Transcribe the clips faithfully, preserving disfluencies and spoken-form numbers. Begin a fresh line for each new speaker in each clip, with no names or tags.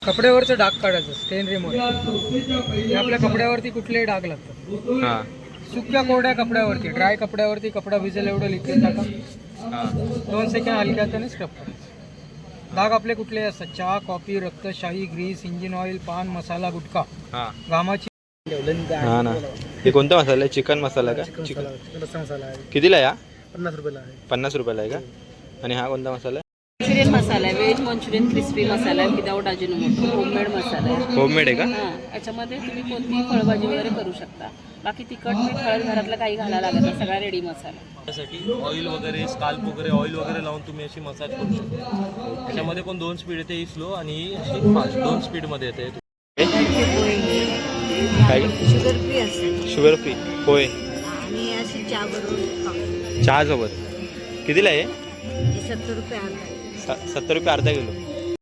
कपड्यावरचं डाग काढायचं स्टेन रिमूव्हर. आपल्या कपड्यावरती कुठलेही डाग लागतात.
हां
सुक्या कोरड्या कपड्यावरती, ड्राय कपड्यावरती कपडा भिजेल एवढं लिक्विड टाका.
हां
दोन सेकंड हलक्या हाताने स्क्रब करायचं. डाग आपले कुठलेही असतात, चहा, कॉफी, रक्त, शाही, ग्रीस, इंजिन ऑइल, पान मसाला, गुटखा,
हां
घामाची.
हां ना. हे कोणता मसाला आहे? चिकन मसाला का? चिकन
मसाला आहे,
कितीला आहे?
पन्नास रुपयाला आहे.
पन्नास रुपयाला आहे का? आणि हा कोणता मसाला आहे?
मंचुरियन मसाला आहे, व्हेज मंचुरियन क्रिस्पी मसाला आहे, विदाऊट अजिनोमोटो, होममेड मसाला आहे.
होममेड आहे का?
हां, याच्यामध्ये तुम्ही कोणतीही फळभाजी वगैरे करू शकता. बाकी तिखट मीठ हळद घरातलं काही घालायला लागत नाही, सगळा रेडी मसाला.
त्यासाठी ऑइल वगैरे स्काल्प वगैरे ऑइल वगैरे लावून तुम्ही अशी मसाज करू शकता. त्याच्यामध्ये पण दोन स्पीड येते, ही स्लो आणि ही अशी फास्ट, दोन स्पीडमध्ये येते.
काय
शुगर फ्री असते
शुगर फ्री होय.
आणि अशी चहा बरोबर
चहा सोबत कितीला आहे?
सत्तर रुपये अर्धा.
सत्तर रुपये अर्धा किलो.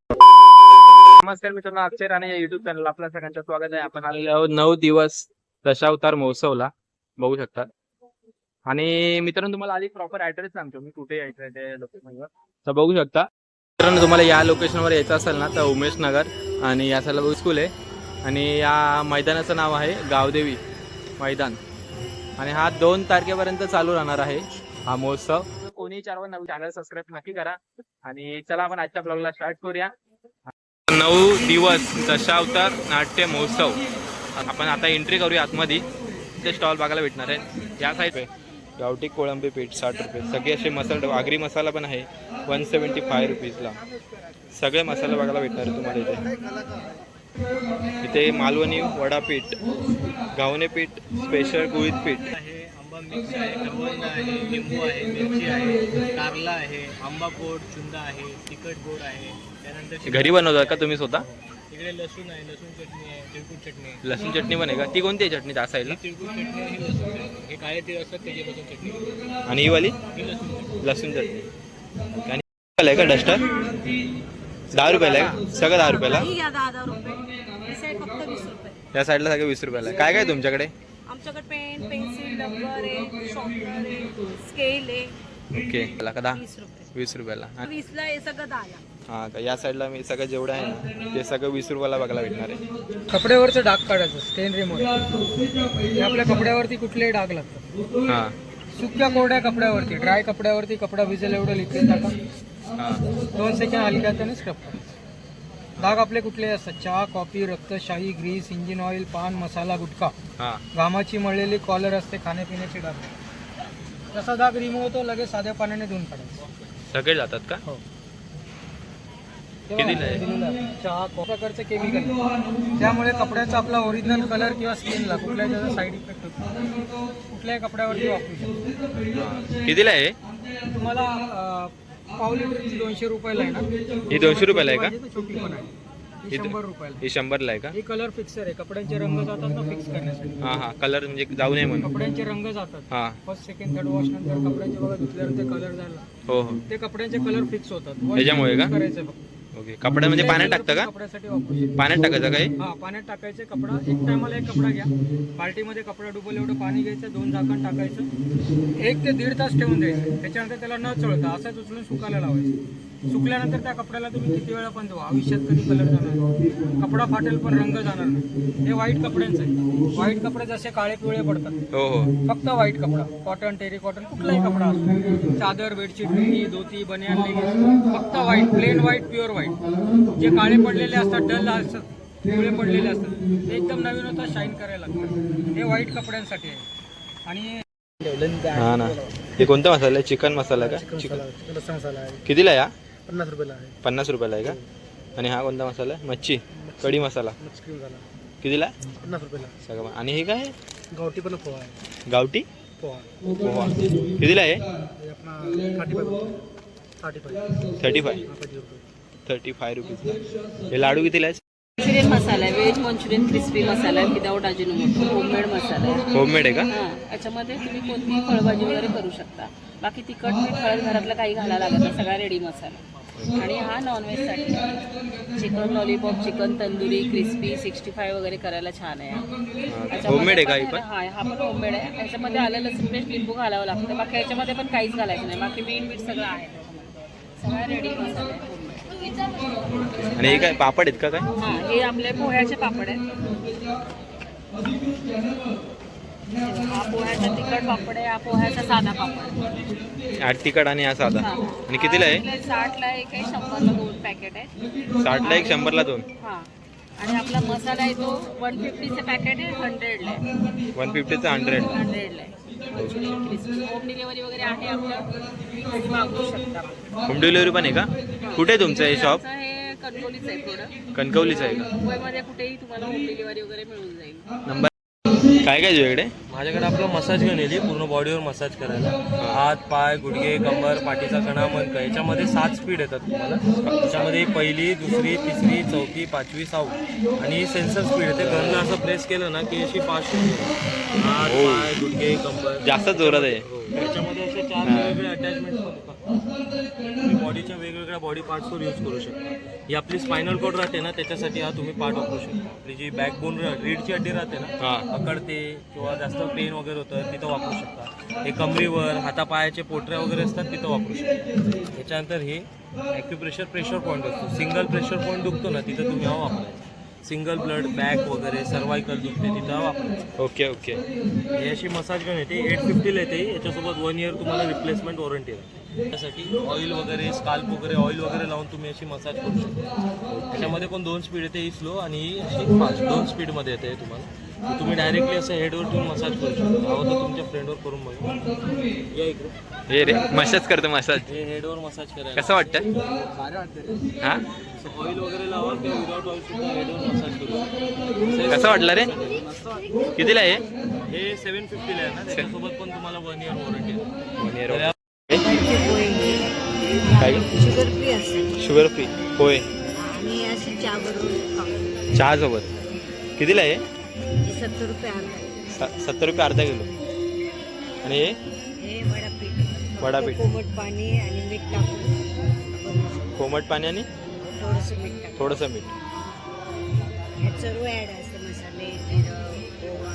नमस्कार मित्रांनो, अक्षय राणे या युट्यूब चॅनल आपल्या सगळ्यांचं स्वागत आहे. आपण आलेलो आहोत नऊ दिवस दशावतार महोत्सवला, बघू शकता. आणि मित्रांनो तुम्हाला आधी प्रॉपर ऍड्रेस सांगतो मी कुठे यायचं आहे ते लोकेशनवर, तर बघू शकता. मित्रांनो तुम्हाला या लोकेशनवर यायचं असेल ना तर उमेश नगर आणि या साईडला स्कूल आहे आणि या मैदानाचं नाव आहे गावदेवी मैदान. आणि हा दोन तारखेपर्यंत चालू राहणार आहे हा महोत्सव. कोणी चार नवीन चॅनल सबस्क्राईब नक्की करा. आणि चला आपण आजच्या ब्लॉगला स्टार्ट करूया. नऊ दिवस दशावतार नाट्य महोत्सव. आपण आता एंट्री करूया आतमध्ये. ते स्टॉल बघायला भेटणार आहे. या साईड गावठी कोळंबी पीठ साठ रुपये, सगळे असे मसाले, आगरी मसाला पण आहे वन सेवन्टी फाय रुपीजला. सगळे मसाले बघायला भेटणार आहे तुम्हाला इथे. इथे मालवणी वडापीठ, घावणे पीठ, स्पेशल गुळीत पीठ
आहे, आंबा मिक्स आहे, करवंद आहे, लिंबू आहे, मिरची आहे, कारला आहे, आंबा गोड, चुंदा आहे, तिखट गोड आहे. त्यानंतर
घरी बनवतात का तुम्ही स्वतः?
इकडे लसूण आहे, लसूण चटणी आहे, तिळकुट चटणी आहे.
लसूण चटणी पण आहे का? ती कोणती आहे चटणी त्या साईडला?
ही तिळकुट चटणी आहे, ही लसूण चटणी. हे काळे तीळ असतात त्याची लसूण चटणी.
आणि ही वाली
ही लसूण चटणी.
लसूण चटणी. आणि आहे का डस्टर? दहा रुपयाला आहे का? सगळं दहा रुपयाला.
ही घ्या दहा दहा रुपये, ही साईड फक्त वीस रुपये.
या साईडला सगळं वीस रुपयाला आहे. काय काय तुमच्याकडे?
आमच्याकडे पेन, पेन्सिल, रबर आहे, शॉर्पनर आहे, स्केल आहे.
ओके का? दहा
वीस रुपये.
वीस रुपयाला.
वीसला हे सगळं दहाला.
हा का? या साईडला मी सगळं जेवढं आहे ना ते सगळं वीस रुपयाला बघायला भेटणार आहे.
कपड्यावरचं डाग काढायचं स्टेन रिमूव्हर. आपल्या कपड्यावरती कुठलेही डाग लागतात.
हां
सुक्या कोरड्या कपड्यावरती, ड्राय कपड्यावरती कपडा भिजेल एवढं लिक्विड टाका.
हां
दोन सेकंड हलक्या हाताने स्क्रब करायचं. डाग आपले कुठलेही असतात, चहा, कॉफी, रक्त, शाही, ग्रीस, इंजिन ऑइल, पान मसाला, गुटखा,
हां
घामाची मळलेली कॉलर असते, खाण्यापिण्याचे डाग. जसा डाग रिमूव्ह होतो लगेच साध्या पाण्याने धुवून काढायचं.
सगळे जातात का?
हो.
कितीला आहे?
चहा प्रकारचे केमिकल, त्यामुळे कपड्याचा आपला ओरिजिनल कलर किंवा स्किनला कुठल्याही त्याचा साईड इफेक्ट होतो. कुठल्याही कपड्यावरती वापरू शकतो.
कितीला आहे?
तुम्हाला अं, पाव लिटरची दोनशे रुपयाला आहे ना.
ही दोनशे रुपयाला आहे का?
पाहिजे तर छोटी पण आहे. ही शंभर रुपयाला.
ही शंभरला आहे का?
ही कलर फिक्सर आहे, कपड्यांचे रंग जातात ना फिक्स करण्यासाठी.
हां हां कलर म्हणजे जाऊ नये म्हणून.
कपड्यांचे रंग जातात.
हां
फर्स्ट सेकंड थर्ड वॉश नंतर कपड्यांचे बघा धुतल्यानंतर कलर झाला,
हो हो.
ते कपड्यांचे कलर फिक्स होतात.
त्याच्यामुळे का?
करायचं फक्त.
ओके. कपडा म्हणजे पाण्यात टाकतं का?
कपड्यासाठी वापरू शकतो.
पाण्यात टाकायचं काही?
हा, पाण्यात टाकायचे कपडा. एक टायमाला एक कपडा घ्या, बाल्टीमध्ये कपडा डुबल एवढं पाणी घ्यायचं, दोन झाकण टाकायचं, एक ते दीड तास ठेवून द्यायचं. त्याच्यानंतर त्याला न चळता असंच उचलून सुकायला लावायचं. सुकल्यानंतर त्या कपड्याला तुम्ही किती वेळा पण धुवा, आयुष्यात कधी कलर जाणार नाही, कपडा फाटेल पण रंग जाणार नाही. हे व्हाईट कपड्यांचं आहे. व्हाईट कपडे जसे काळे पिवळे पडतात,
हो हो.
फक्त व्हाईट कपडा, कॉटन, टेरी कॉटन, कुठलाही कपडा असतो, चादर, बेडशीट, लुंगी, धोती, बनियान, लेगिन्स, फक्त white, plain white, pure white. जे काळे पडलेले असतात, डल असतात, पिवळे पडलेले असतात, ते एकदम नवीन होतात, शाईन करायला लागतात. हे व्हाईट कपड्यांसाठी आहे. आणि
हां ना. हे कोणता मसाला आहे? चिकन मसाला का? चिकन
रस्सा मसाला आहे,
कितीला आहे?
पन्नास रुपयाला आहे.
पन्नास रुपयाला आहे का? आणि हा कोणता मसाला आहे? मच्छी कढी मसाला
मच्छी झाला
कितीला?
पन्नास रुपयाला.
सगळं. आणि हे काय?
गावठी पण पोहा आहे.
गावठी
पोहा
पोहा कितीला आहे?
हे आपला thirty five thirty five
thirty five thirty five rupees. हे लाडू कितीला आहे?
मंचुरियन मसाला आहे, व्हेज मंचुरियन क्रिस्पी मसाला आहे, विदाऊट अजिनोमोटो, होममेड मसाला आहे.
होममेड आहे का?
हां, याच्यामध्ये तुम्ही कोणतीही फळभाजी वगैरे करू शकता. बाकी तिखट मीठ हळद घरातलं काही घालायला लागत नाही, सगळा रेडी मसाला. आणि हा नॉनव्हेजसाठी chicken lollipop, chicken tandoori, crispy, sixty five वगैरे करायला छान आहे.
होममेड आहे का ही पण?
हा हा पण होममेड आहे. ह्याच्यामध्ये आलं लसूण पेस्ट, लिंबू घालावं लागतं. बाकी ह्याच्यामध्ये पण काहीच घालायचं नाही, बाकी मीठ मीठ सगळं आहे त्याच्यामध्ये, सगळा रेडी मसाला आहे होममेड.
आणि हे काय पापड आहेत का काय?
हा, हे आपले पोह्याचे पापड आहेत. हा पोह्याचा तिखट पापड आहे, हा पोह्याचा साधा पापड आहे.
आठ तिखट आणि हा साधा.
हा.
आणि कितीला आहे?
आपले साठला एक आहे, शंभरला दोन पॅकेट आहे.
साठला एक, शंभरला दोन.
हा. आणि आपला मसाला आहे तो वन फिफ्टीचं पॅकेट आहे, हंड्रेडला आहे.
One फिफ्टीचा hundred.
हंड्रेडला आहे. होम डिलिव्हरी वगैरे आहे आपलं, तुम्ही मागवू शकता.
होम डिलिव्हरी पण आहे का? कुठे आहे तुमचं हे शॉप?
आमचं हे कणकवलीचं आहे प्रोडक्ट.
कणकवलीचं आहे का?
मुंबईमध्ये कुठेही तुम्हाला होम डिलिव्हरी वगैरे मिळून जाईल.
नंबर काय काय तुझ्याकडे?
माझ्याकडे आपलं मसाज गन येते पूर्ण बॉडीवर मसाज करायला. हात, पाय, गुडघे, कंबर, पाठीचा कणा, मणका याच्यामध्ये सात स्पीड येतात तुम्हाला. त्याच्यामध्ये पहिली, दुसरी, तिसरी, चौथी, पाचवी, सहावी आणि सेन्सर स्पीड येते. गनला असं प्रेस केलं ना की अशी फास्ट होते. हात, पाय, गुडघे, कंबर
जास्त जोरात आहे.
त्याच्यामध्ये असे चार वेगवेगळे अटॅचमेंट्स होतात. तुम्ही बॉडीच्या वेगवेगळ्या बॉडी पार्ट्सवर यूज करू शकता. ही आपली स्पायनल कॉर्ड राहते ना, त्याच्यासाठी हा तुम्ही पार्ट वापरू शकता. आपली जी बॅकबोन रीडची हड्डी राहते ना, अकडते किंवा जास्त पेन वगैरे होतं तिथं वापरू शकता. हे कमरीवर, हातापायाचे पोटऱ्या वगैरे असतात तिथं वापरू शकता. त्याच्यानंतर हे ॲक्युप्रेशर प्रेशर पॉईंट असतो. सिंगल प्रेशर पॉईंट दुखतो ना तिथं तुम्ही हा वापरायचा. सिंगल ब्लड, बॅक वगैरे सर्वायकल दुखते तिथं हा वापरायचा.
Okay okay.
ही अशी मसाज गन येते, एट फिफ्टीला येते. याच्यासोबत वन इयर तुम्हाला रिप्लेसमेंट वॉरंटी आहे. त्यासाठी ऑइल वगैरे, स्काल्प वगैरे ऑइल वगैरे लावून तुम्ही अशी मसाज करू शकता. त्याच्यामध्ये पण दोन स्पीड येते, ही स्लो आणि ही अशी फास्ट. दोन स्पीडमध्ये येते तुम्हाला. तुम्ही डायरेक्टली असं हेडवर ठेवून मसाज करू शकता. हवं तर तुमच्या फ्रेंडवर करून बघा. या इकडे.
हे रे मसाज करतो मसाज.
हे हेडवर मसाज करायला
कसं वाटतं? हा
ऑइल वगैरे लावा किंवा विदाउट ऑइल सुद्धा हेडवर मसाज करू.
कसं वाटलं रे? कितीला आहे
हे सेवन फिफ्टीला आहे ना, त्याच्यासोबत पण तुम्हाला वन इयर वॉरंटी आहे.
One year.
काय शुगर फ्री असते
शुगर फ्री होय.
आणि अशी चहा बरोबर
चहा सोबत कितीला आहे?
सत्तर रुपये अर्धा.
स- सत्तर रुपये अर्धा किलो. आणि हे
हे वडापीठ
वडापीठ.
कोमट पाणी आणि मीठ टाकून
कोमट पाणी आणि
थोडंसं मीठ टाकून
थोडंसं मीठ.
ह्यात सर्व ॲड असतं, मसाले, जिरं, ओवा,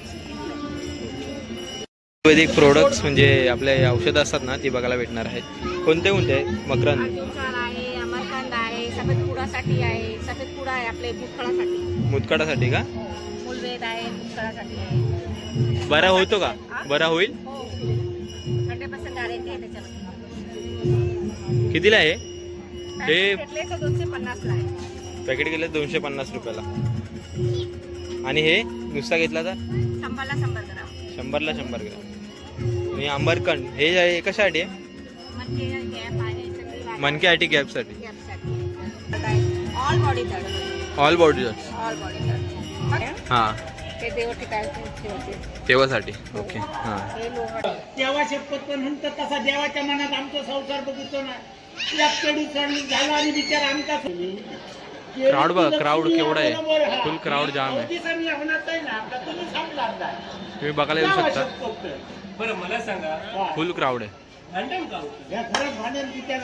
आयुर्वेदिक प्रोडक्ट्स म्हणजे आपले औषधं असतात ना ती बघायला भेटणार आहेत. कोणते कोणते आहे? मकरंद,
अर्जुनचार आहे, अमरकांद आहे, सफेद पुडासाठी आहे, सफेद पुडा आहे आपले भूतफळासाठी,
मुतखडासाठी का?
मूलवेद आहे, भूतफळासाठी आहे.
बरा होतो का? बरा होईल?
हो, थंडीपासून गॅरंटी आहे त्याच्यामध्ये.
कितीला आहे हे?
पॅकेट घेतले तर दोनशे पन्नासला आहे.
पॅकेट गेले दोनशे पन्नास रुपयाला. आणि हे नुसता घेतला तर
शंभरला शंभर ग्राम.
शंभरला शंभर ग्रॅम. आणि आंबरकंद हे हे कशासाठी आहे?
म्हणजे गॅप आहे सगळी वाढ-
मनक्यासाठी, गॅपसाठी.
गॅपसाठी. ऑल बॉडी दर्द.
ऑल बॉडी
ऑल बॉडी दर्द.
हां
हे देव ठिकाणचे ठेवते.
तेव्हासाठी. ओके हां.
हे लोहड.
देवा शपथ पण म्हणतो तसा देवाच्या मनात आमचा संसार बघितो ना. चढू चढ झाला आणि विचार आमचा
क्राऊड बघा, क्राऊड केवढा आहे. फुल क्राऊड जाम आहे. तुम्ही बघायला येऊ शकता.
बरं मला सांगा,
फुल क्राऊड आहे.
भांडण का होतं? या घरात भांडण तिच्या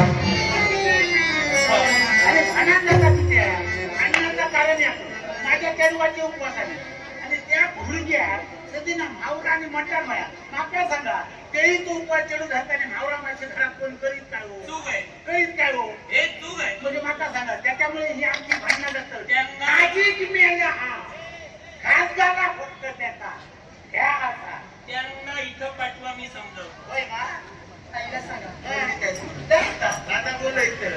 अरे भांडण नका तिच्या. भांडणाचं कारण आहे माझ्या कडवाचे उपवास आहे आणि त्या भुलग्या सध्या मावरा आणि मटण माया माका सांगा तेही तो उपवास चढू घालताना मावरा मासे खराब कोण करीत काय हो? चूक आहे. करीत काय हो? हे चूक आहे. म्हणजे माका सांगा त्याच्यामुळे ही आमची भांडणं असतं. माझी की मेल्या हा खास झाला फक्त त्याचा ह्या असा त्यांना इथं पाठवा मी समजवतो. होय का? ताईला सांगा. आता बोलायचं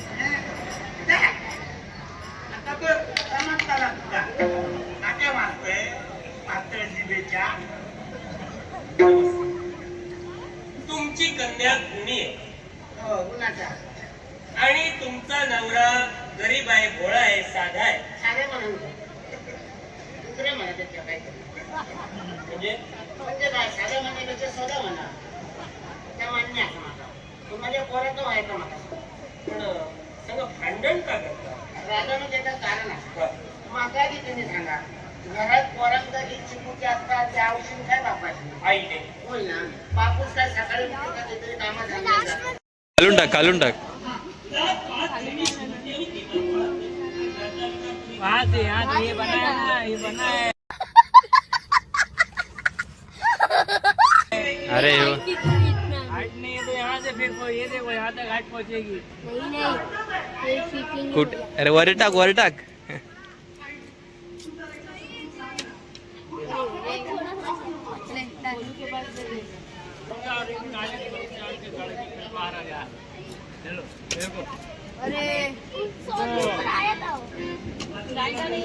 आता बघ समजताला तुला नाट्य मारतोय पातळ जिभेच्या.
तुमची कन्या गुणी आहे
हो गुणाचा
आणि तुमचा नवरा गरीब आहे, भोळा आहे, साधा आहे.
साधे म्हणून दुसरे म्हणा त्याच्या काहीतरी
म्हणजे
म्हणजे काय साधे म्हणण्यापेक्षा सोडा म्हणा त्या मान्य असं माझा. तुम्हाला पोराचं व्हायचं मला
पण सगळं भांडण का करता?
रागानं त्याचं कारण असतं. माझा आधी तुम्ही सांगा घरात पोरांचा जी चिमुटी असतात त्या औषध काय बापाची
आई नाही.
होय ना. बापूस काय सकाळी उठून का काहीतरी कामात झालं.
घालून टाक, घालून टाक. अरे हो.
हाइट नहीं है तो यहाँ से फिर ये देखो यहाँ तक हाइट पहुँचेगी.
नहीं नहीं
कुठ अरे वर टाक वर टाक
अरे